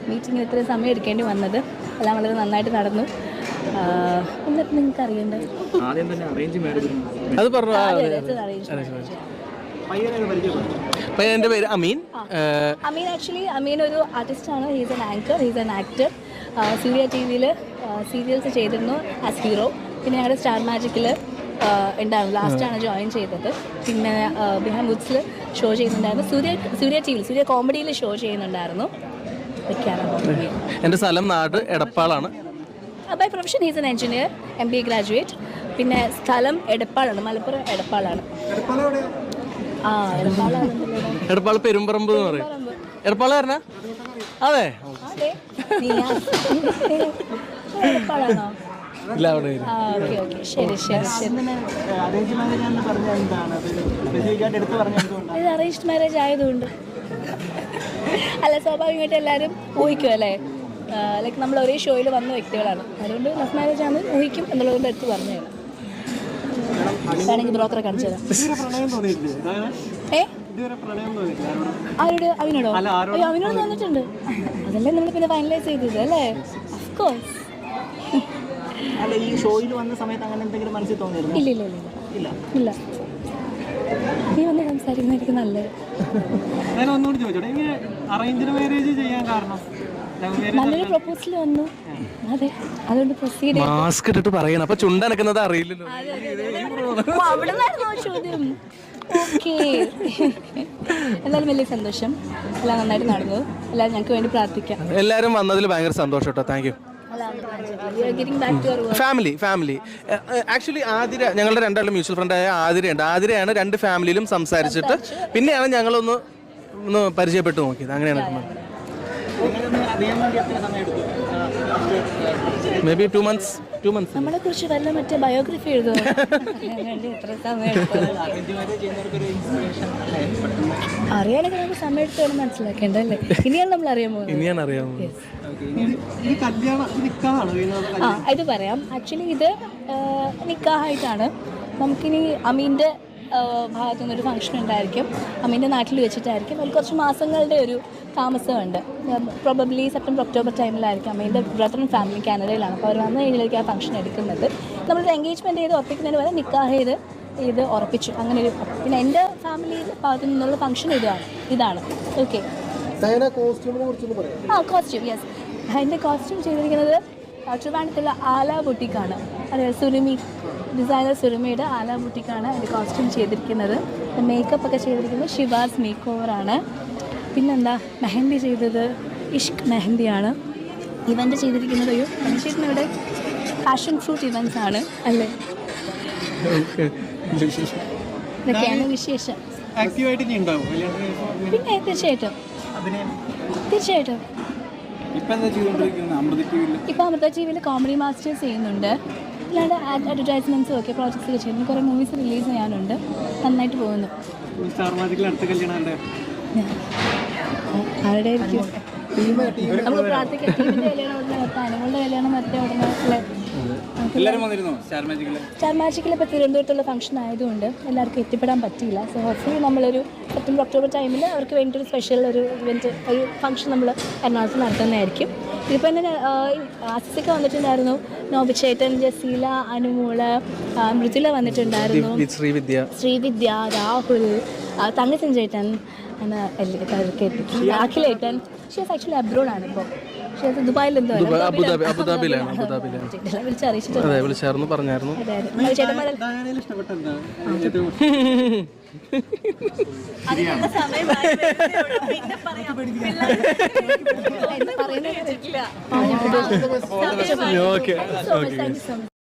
മീറ്റിങ്ങിന് ഇത്രയും സമയം എടുക്കേണ്ടി വന്നത്. എല്ലാം വളരെ നന്നായിട്ട് നടന്നു. എന്നിട്ട് നിങ്ങൾക്ക് അറിയണ്ടേ, അത് പറഞ്ഞു. എൻ്റെ പേര് അമീൻ. അമീൻ ഒരു ആർട്ടിസ്റ്റാണ്. He's an anchor, he's an actor. Surya TV-യിൽ സീരിയൽസ് ചെയ്തിരുന്നു ആസ് ഹീറോ. പിന്നെ ഞങ്ങളുടെ സ്റ്റാർ മാജിക്കിൽ ഉണ്ടായിരുന്നു, ലാസ്റ്റാണ് ജോയിൻ ചെയ്തത്. പിന്നെ ബിഹാം വുഡ്സിൽ ഷോ ചെയ്യുന്നുണ്ടായിരുന്നു. സൂര്യ TV-യിൽ സൂര്യ കോമഡിയിൽ ഷോ ചെയ്യുന്നുണ്ടായിരുന്നു. എൻ്റെ സ്ഥലം നാട് എടപ്പാളാണ്. By profession he's an engineer, MBA graduate. പിന്നെ സ്ഥലം എടപ്പാളാണ്, മലപ്പുറം എടപ്പാളാണ്. എടപ്പാൾ പെരുമ്പറമ്പ് എന്ന് പറയും. എടപ്പാൾ പറഞ്ഞ അതെ എടപ്പാളാണോ? ഇല്ല, അവിടെ ശരി ശരി ശരി. ഇത് അറേഞ്ച്ഡ് മാരേജ് ആയതുകൊണ്ട് അല്ല, സ്വാഭാവികമായിട്ട് എല്ലാവരും ഊഹിക്കും അല്ലേ. ലൈക്ക് നമ്മൾ ഒരേ ഷോയിൽ വന്ന വ്യക്തികളാണ്, അതുകൊണ്ട് ലവ് മാരേജ് ആണ് ഊഹിക്കും എന്നുള്ളതുകൊണ്ട് എടുത്ത് പറഞ്ഞു തരാം. വേണമെങ്കിൽ ബ്രോക്കറെ കാണിച്ചു തരാം. ആരോട്? അവിനോടോ? അയ്യോ, അവിനോട് തോന്നിട്ടുണ്ട്. അതല്ലേ നമ്മൾ പിന്നെ ഫൈനലൈസ് ചെയ്തത് അല്ലേ? ഓഫ്കോഴ്സ്. ഇല്ല ഇല്ല ഇല്ല ഇല്ല. നീ വന്ന് സംസാരിക്കുന്നതായിരിക്കും നല്ലത്. നല്ലൊരു പ്രൊപ്പോസൽ വന്നു, അതെ, അതുകൊണ്ട് പ്രൊസീഡ്. മാസ്ക് ഇട്ടിട്ട് പറയണം, അപ്പൊ ചുണ്ടനക്കുന്നത് അറിയില്ലല്ലോ. അവിടെ നിന്നായിരുന്നോ ചോദ്യം? ഓക്കെ. എന്തായാലും വലിയ സന്തോഷം, എല്ലാം നന്നായിട്ട് നടന്നു. എല്ലാവരും ഞങ്ങൾക്ക് വേണ്ടി പ്രാർത്ഥിക്കാം. എല്ലാവരും വന്നതിൽ ഭയങ്കര സന്തോഷം കേട്ടോ. Thank you. Family actually Athira, ഞങ്ങളുടെ രണ്ടാളും മ്യൂച്വൽ ഫ്രണ്ടായ ആതിരയുണ്ട്. ആതിരയാണ് രണ്ട് ഫാമിലിയിലും സംസാരിച്ചിട്ട് പിന്നെയാണ് ഞങ്ങളൊന്ന് പരിചയപ്പെട്ടു നോക്കിയത്. അങ്ങനെയാണ് മേ ബി 2 months. നമ്മളെ കുറിച്ച് വല്ല മറ്റേ ബയോഗ്രഫി എഴുതുമോ? എത്ര സമയം അറിയാനൊക്കെ നമുക്ക് സമയം എടുത്ത് വേണം മനസ്സിലാക്കേണ്ടല്ലേ. ഇനിയാണ് നമ്മൾ അറിയാൻ പോകുന്നത്. ഇത് പറയാം. ആക്ച്വലി ഇത് നിക്കാഹായിട്ടാണ്. നമുക്കിനി അമീൻ്റെ ഭാഗത്തു നിന്നൊരു ഫംഗ്ഷൻ ഉണ്ടായിരിക്കും. അമീൻ്റെ നാട്ടിൽ വെച്ചിട്ടായിരിക്കും. അതിൽ കുറച്ച് മാസങ്ങളുടെ ഒരു താമസമുണ്ട്. പ്രോബബ്ലി സെപ്റ്റംബർ ഒക്ടോബർ ടൈമിലായിരിക്കും. അമീൻ്റെ ബ്രദർ ആൻഡ് ഫാമിലി കാനഡയിലാണ്. അപ്പോൾ അവർ വന്നു കഴിഞ്ഞായിരിക്കും ആ ഫംഗ്ഷൻ എടുക്കുന്നത്. നമ്മളൊരു എൻഗേജ്മെൻറ്റ് ചെയ്ത് ഉറപ്പിക്കുന്നതിന് വരെ നിക്കാഹ് ചെയ്ത് ഉറപ്പിച്ചു. അങ്ങനെ ഒരു പിന്നെ എൻ്റെ ഫാമിലി ഭാഗത്തു നിന്നുള്ള ഫംഗ്ഷൻ ഇതാണ്. ഓക്കെ. Costume yes. അതിൻ്റെ കോസ്റ്റ്യൂം ചെയ്തിരിക്കുന്നത് ട്രിവാൻഡ്രത്തുള്ള ആല ബുട്ടിക്കാണ്. അതായത് സുരുമി ഡിസൈനർ സുരുമിയുടെ ആല ബുട്ടിക്കാണ് അതിൻ്റെ കോസ്റ്റ്യൂം ചെയ്തിരിക്കുന്നത്. മേക്കപ്പ് ഒക്കെ ചെയ്തിരിക്കുന്നത് ഷിവാസ് മേക്ക് ഓവറാണ്. പിന്നെന്താ, മെഹന്തി ചെയ്തത് ഇഷ്ക് മെഹന്തിയാണ്. ഇവൻ്റ് ചെയ്തിരിക്കുന്നത് ഇവിടെ പാഷൻ ഫ്രൂട്ട് ഇവൻറ്റ്സ് ആണ് അല്ലേ. ഇതൊക്കെയാണ് വിശേഷം. പിന്നെ തീർച്ചയായിട്ടും ഇപ്പം അമൃത TV-യിൽ കോമഡി മാസ്റ്റേഴ്സ് ചെയ്യുന്നുണ്ട്. അല്ലാണ്ട് അഡ്വർടൈസ്മെൻറ്റ്സും ഒക്കെ പ്രോജക്ട്സ് ഒക്കെ ചെയ്യുന്നു. കുറേ മൂവീസ് റിലീസ് ചെയ്യാനുണ്ട്. നന്നായിട്ട് പോകുന്നു. ആരുടെ നമുക്ക് പ്രാർത്ഥിക്കാം. ടീമിൻ്റെ കല്യാണം ഉടനെ നിർത്താം, അനുകളുടെ കല്യാണം നിർത്തിയ ഉടനെ അല്ലേ. സ്റ്റാർ മാജിക്കിൽ ഇപ്പോൾ തിരുവനന്തപുരത്തുള്ള ഫംഗ്ഷൻ ആയതുകൊണ്ട് എല്ലാവർക്കും എത്തിപ്പെടാൻ പറ്റിയില്ല. സോ ഹോപ്പ്ഫുള്ളി നമ്മളൊരു സെപ്റ്റംബർ ഒക്ടോബർ ടൈമിൽ അവർക്ക് വേണ്ടിയൊരു സ്പെഷ്യൽ ഒരു ഇവൻറ്റ്, ഒരു ഫംഗ്ഷൻ നമ്മൾ എറണാകുളത്ത് നടത്തുന്നതായിരിക്കും. ഇതിപ്പോൾ തന്നെ ആസിസൊക്കെ വന്നിട്ടുണ്ടായിരുന്നു. നോബിച്ചേട്ടൻ, ജസീല, അനുമോള്, മൃദുല വന്നിട്ടുണ്ടായിരുന്നു. ശ്രീവിദ്യ, രാഹുൽ, തങ്കച്ചൻ ചേട്ടൻ, അഖിലേട്ടൻ. ഷീസ് ആക്ച്വലി അബ്രോഡാണ് ഇപ്പോൾ. ദുബായിലെന്തോ വിളിച്ചായിരുന്നു, പറഞ്ഞായിരുന്നു. സമയം